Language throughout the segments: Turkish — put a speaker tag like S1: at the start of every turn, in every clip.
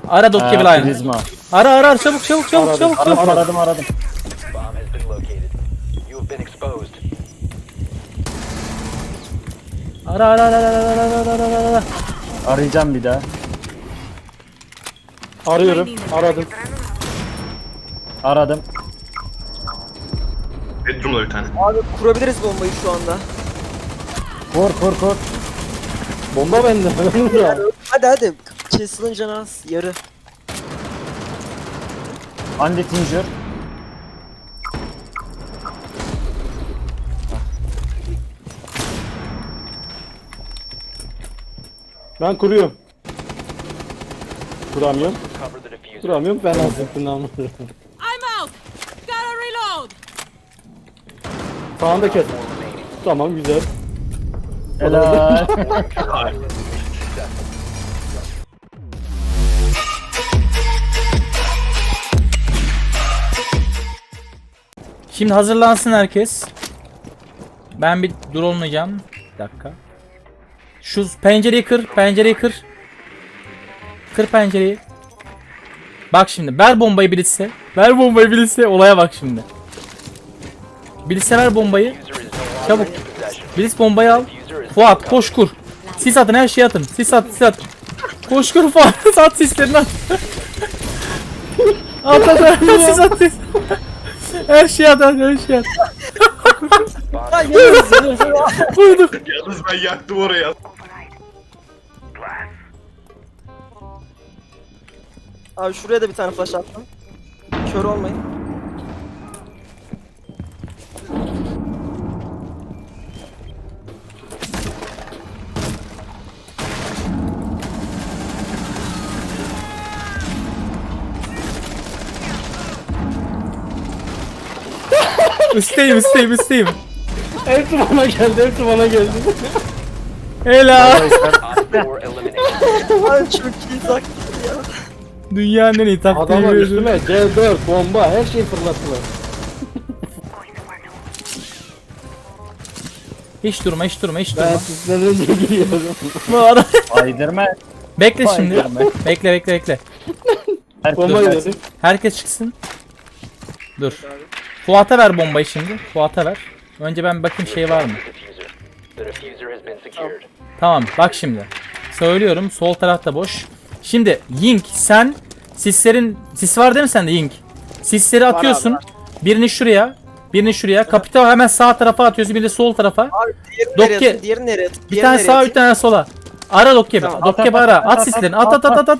S1: Ara Dokke bir line.
S2: Prizma.
S1: Ara çabuk çabuk.
S2: Aradım.
S3: Bomb has been located. You have been exposed.
S1: Ara.
S2: Arayacağım bir daha.
S4: Arıyorum. Aradım.
S2: Aradım.
S5: Bedroom'da bir tane.
S6: Abi kurabiliriz bombayı şu anda.
S2: Kur.
S4: Bomba bende.
S6: Hadi. Castle'ın canı az. Yarı.
S2: Andy Tinger.
S4: Ben kuruyorum. Kuramıyorum.
S3: Cover the diffuser.
S4: Kuramıyorum. Ben azıktım anladım.
S7: I'm out. Gotta reload.
S4: Sağında kes.
S3: Remaining.
S4: Tamam güzel.
S2: Helal.
S1: Şimdi hazırlansın herkes. Ben bir drone'layacağım. Bir dakika. Şu pencereyi kır. Kır pencereyi. Bak şimdi ver bombayı Blitz'e. Olaya bak şimdi. Blitz'e ver bombayı.
S3: Diffuser is no longer
S1: Çabuk.
S3: in possession.
S1: Blitz bombayı al.
S3: Diffuser is
S1: Fuat koş kur. Sis atın, her şeyi atın. Sis at. Koş kur Fuat. At sislerini at. at. Sis at. Her şeyi at. Vurduk.
S5: Yalnız ben yaktım oraya.
S6: Abi şuraya da bir tane flash attım. Kör olmayın.
S1: Üsteyim.
S4: Hepsi bana geldi.
S1: Helal.
S3: Op 4 eliminated.
S6: Abi çok iyi taktik ya.
S1: Dünyanın en iyi taktiği.
S4: Adamlar
S1: veriyor.
S4: üstüme C4 bomba her şeyi fırlattılar.
S1: Hiç durma.
S4: Ben sizden önce gidiyorum.
S1: Bu ara-
S2: Aydırma.
S1: Bekle şimdi.
S2: Spider-Man.
S1: Bekle.
S4: Bomba
S2: Herkes
S4: gidelim.
S1: Herkes çıksın. Dur. Fuat'a ver bombayı şimdi. Fuat'a ver. Önce ben bir bakayım şey var mı?
S3: Diffuser. The diffuser has been secured.
S1: Tamam bak şimdi. Söylüyorum sol tarafta boş. Şimdi Yink sen sis var değil mi sende Yink? Sisleri atıyorsun. Birini şuraya. Kapital hemen sağ tarafa atıyorsun. Bir de sol tarafa.
S6: Abi diğerini
S1: Dokke-
S6: nereye atayım? Diğerini nereye atayım?
S1: Bir tane sağa bir tane sola. Ara Dokke.
S6: Tamam.
S1: Dokke ara. At sislerini. At.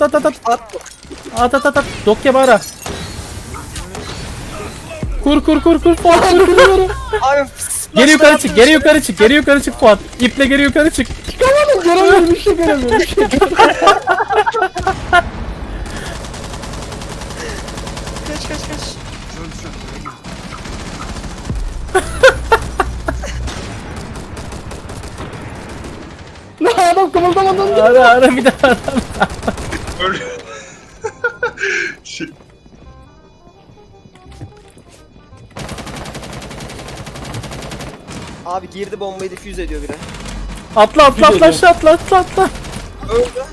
S6: At.
S1: At. Dokke ara. Kur. Fuat kur.
S6: Abi
S1: Geri yukarı çık Fuat. İple geri yukarı çık.
S4: Göremiyorum bir şey göremiyorum.
S6: Kaç.
S4: Adam kımıldamadan.
S1: Ara bir daha.
S5: Öyle. Şey,
S6: Abi girdi bombayı diffuse ediyor biri.
S1: Atla aşağı atla.
S6: Öldü.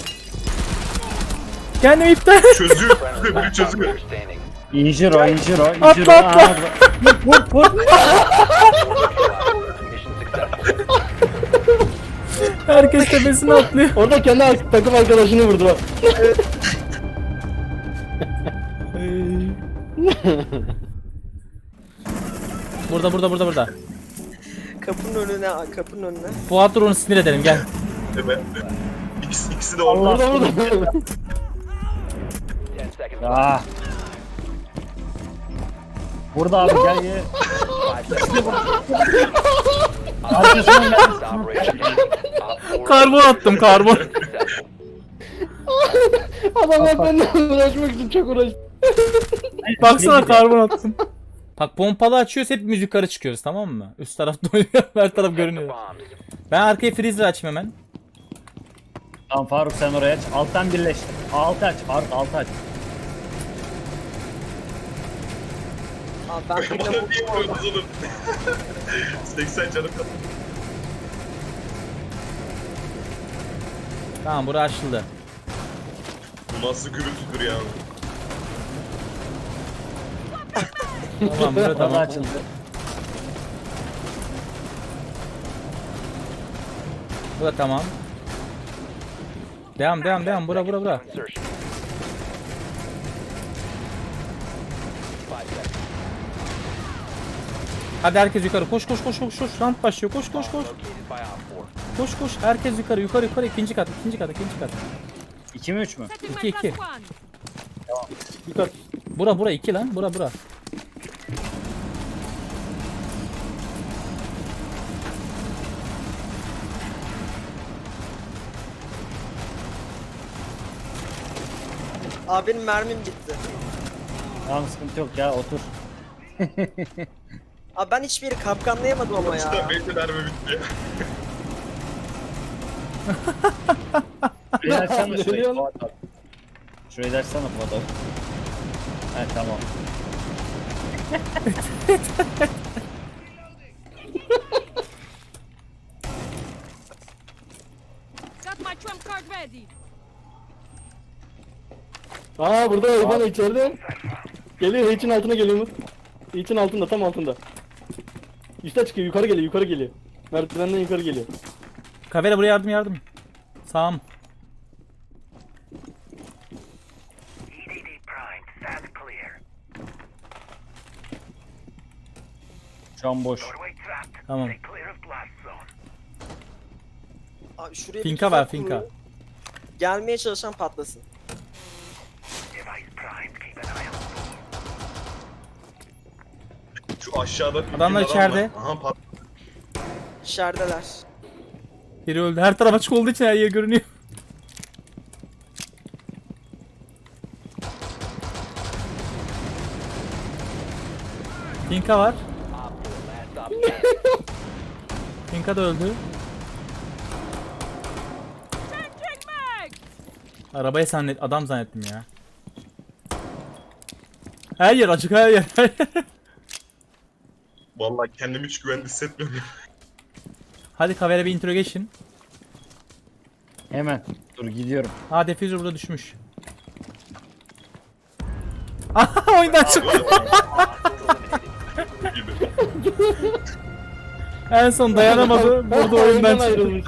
S1: Kendimi iptal.
S5: çözüyor.
S3: Friendly
S5: Biri
S3: last
S5: çözüyor.
S3: operator standing.
S2: Injiro.
S1: Atla.
S3: Mission successful.
S1: Herkes tepesine atlıyor.
S4: Orada kendi takım arkadaşını vurdu bak.
S1: Burada.
S6: Kapının önüne.
S1: Fuat dur onu sinir edelim gel.
S5: Evet. İkisi de orada.
S4: Orada.
S3: 10 seconds left.
S2: Ah. Burada abi gel.
S3: 5 seconds.
S2: Arkasından gel.
S3: Operation ending. Op 4
S1: Karbon attım.
S3: successful.
S4: Adamlar benden uğraşmak için çok uğraştı.
S1: Baksana karbon attım. Bak pompalı açıyoruz hep yukarı çıkıyoruz tamam mı? Üst tarafta oynuyor her taraf görünüyor.
S3: Bombs.
S1: Ben arkaya freezer açayım hemen.
S2: Tamam Faruk sen oraya aç. Alttan birleş. Altı aç Faruk altı aç.
S6: Abi ben birine
S5: Bana
S6: vurdum
S5: niye
S6: orada.
S5: vuruyorsunuz oğlum? 80 canım kaldı.
S1: Tamam bura açıldı.
S5: Bu nasıl gürültüdür ya?
S1: Tamam burada
S2: Fazla
S1: tamam.
S2: açıldı.
S1: Burada tamam. Devam. Bura.
S3: Insertion. 5 seconds.
S1: Hadi herkes yukarı. Koş. Round başlıyor. Koş.
S3: Located by Op 4.
S1: Koş. Herkes yukarı. İkinci kat.
S2: 2 mi 3 mü?
S7: Setting
S1: İki,
S7: my
S1: iki.
S7: plus one.
S4: Dikkat.
S1: Bura 2 lan. Bura.
S6: Abi benim mermim bitti.
S2: Tamam sıkıntı yok ya otur.
S6: Abi ben hiçbir yeri kapkanlayamadım ama
S5: İşte
S6: ya.
S5: benim de mermi bitti ya.
S2: Şurayı açsana şurayı.
S4: Geliyor.
S2: Fuat abi. Şurayı da açsana Fuat abi. He tamam.
S7: Got my trump card ready.
S4: Aa burada Eyvan içeride. Geliyor H'in altına geliyor mu? H'in altında tam altında. Üste çıkıyor yukarı geliyor. Merdivenden yukarı geliyor.
S1: Kavera buraya yardım. Sağım.
S2: Şu an boş.
S1: Tamam.
S6: Abi şuraya bir
S1: Finka
S6: tuzak
S1: var, finka.
S6: kurun. Gelmeye çalışan patlasın.
S5: Şu aşağıda
S1: Adamlar
S5: bir adam
S1: içeride.
S5: var. Aha pat.
S6: İçerideler.
S1: Biri öldü. Her taraf açık olduğu için her yer görünüyor. Finka var.
S3: Op 4, last op.
S1: Finka da öldü.
S7: Changing mag.
S1: Arabayı adam zannettim ya. Her yer açık her yer.
S5: Vallahi kendimi hiç güvende hissetmiyorum.
S1: Hadi Kavera bir interrogation.
S2: Hemen. Dur gidiyorum.
S1: Ha defuser burada düşmüş. Aha oyundan çıktı.
S5: gibi.
S1: En son dayanamadı. Burada oyundan çıktı.
S4: ayrılmış.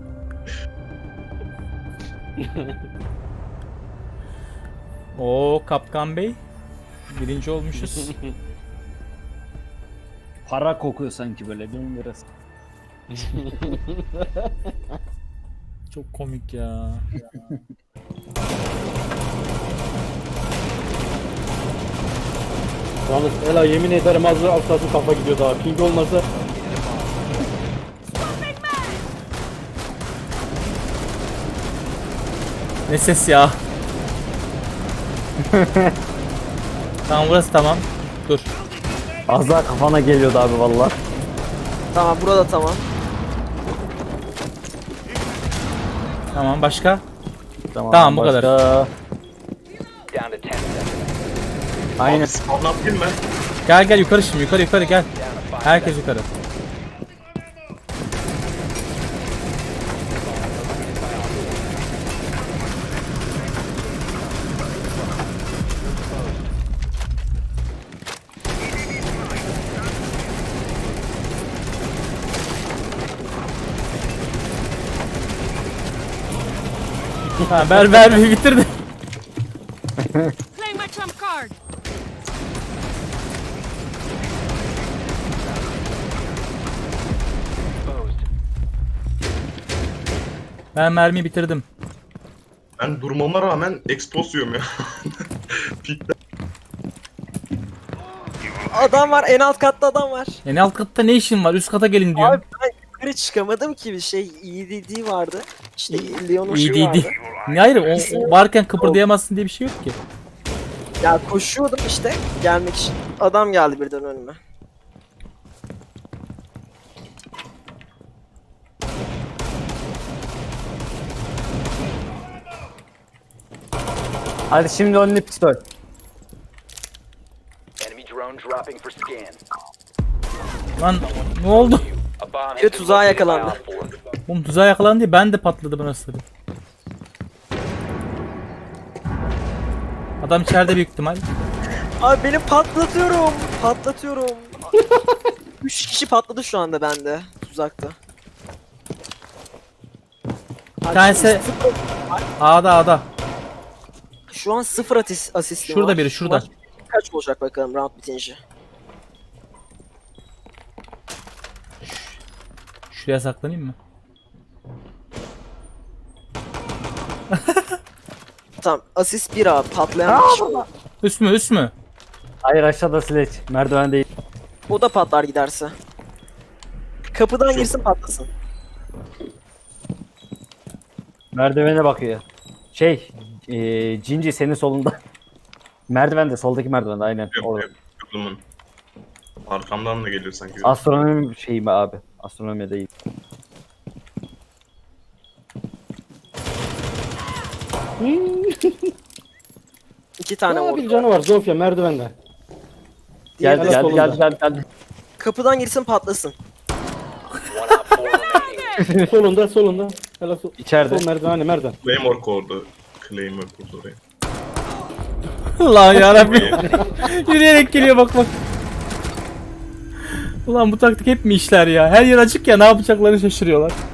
S1: Oo Kapkan Bey. Birinci olmuşuz.
S2: Para kokuyor sanki böyle 1000 lirası.
S1: Çok komik ya.
S4: Yalnız Ela yemin ederim az altı kafa gidiyor daha. Ping olmasa
S1: Ne ses ya. Tamam burası tamam. Dur.
S2: Az daha kafana geliyordu abi valla.
S6: Tamam burada tamam.
S1: Tamam başka? Tamam, bu kadar.
S3: Down to 10 seconds.
S2: Aynen.
S5: Spawn yapayım ben.
S1: Gel yukarı şimdi yukarı gel.
S3: Down to 5
S1: Herkes yukarı. Ha, ver bitirdi.
S7: Play my trump card.
S3: exposed.
S1: Ben mermiyi bitirdim.
S5: Ben durmama rağmen expose yiyorum ya. Pikte.
S6: Adam var en alt katta adam var.
S1: En alt katta ne işin var? Üst kata gelin diyor.
S6: Abi ben yukarı çıkamadım ki bir şey EDD vardı. İşte Leon'un şeyi
S1: İyi
S6: vardı.
S1: Ne hayır o varken kıpırdayamazsın diye bir şey yok ki.
S6: Ya koşuyordum işte gelmek için. Adam geldi birden önüme.
S2: Hadi şimdi only pistol.
S3: Enemy drone dropping for scan.
S1: Lan ne oldu?
S3: A bomb
S6: Biri
S3: has been
S6: tuzağa
S3: located by
S6: yakalandı.
S3: Op 4.
S1: Oğlum tuzağa yakalandı diye ben de patladı burası. Adam içeride büyük ihtimal.
S6: Abi beni patlatıyorum. Patlatıyorum. 3 kişi patladı şu anda bende. Tuzakta.
S1: Bir tanesi A'da.
S6: Şu an 0 asistim
S1: Şurada
S6: var.
S1: biri, şurada.
S6: Maç kaç olacak bakalım round bitince.
S1: Şuraya saklanayım mı?
S6: Tamam asist 1 abi patlayan bir kişi.
S1: Üst mü?
S2: Hayır aşağıda Sledge. Merdiven değil.
S6: O da patlar giderse. Kapıdan girsin patlasın.
S2: Merdivene bakıyor. Cinci senin solunda. Merdivende, soldaki merdivende aynen.
S5: Yok
S2: Orada.
S5: yok. Yolumun. Arkamdan da geliyor sanki.
S2: Astronomi şeyi mi abi? Astronomi değil.
S6: İki tane
S4: Aa, bir
S6: vurdu.
S4: canı var Zofia merdivende.
S6: Diğer
S2: Geldi
S4: Diğer
S2: geldi
S4: solunda.
S2: geldi geldi geldi.
S6: kapıdan girsin patlasın.
S3: One op 4 remaining.
S4: solunda. Helal sol.
S2: İçeride.
S4: Sol merdiven merdiven.
S5: Claymore kurdu. Claymore kurdu oraya.
S1: Allah yarabbim. Yürüyerek geliyor bak. Ulan bu taktik hep mi işler ya? Her yer açık ya, ne yapacaklarını şaşırıyorlar.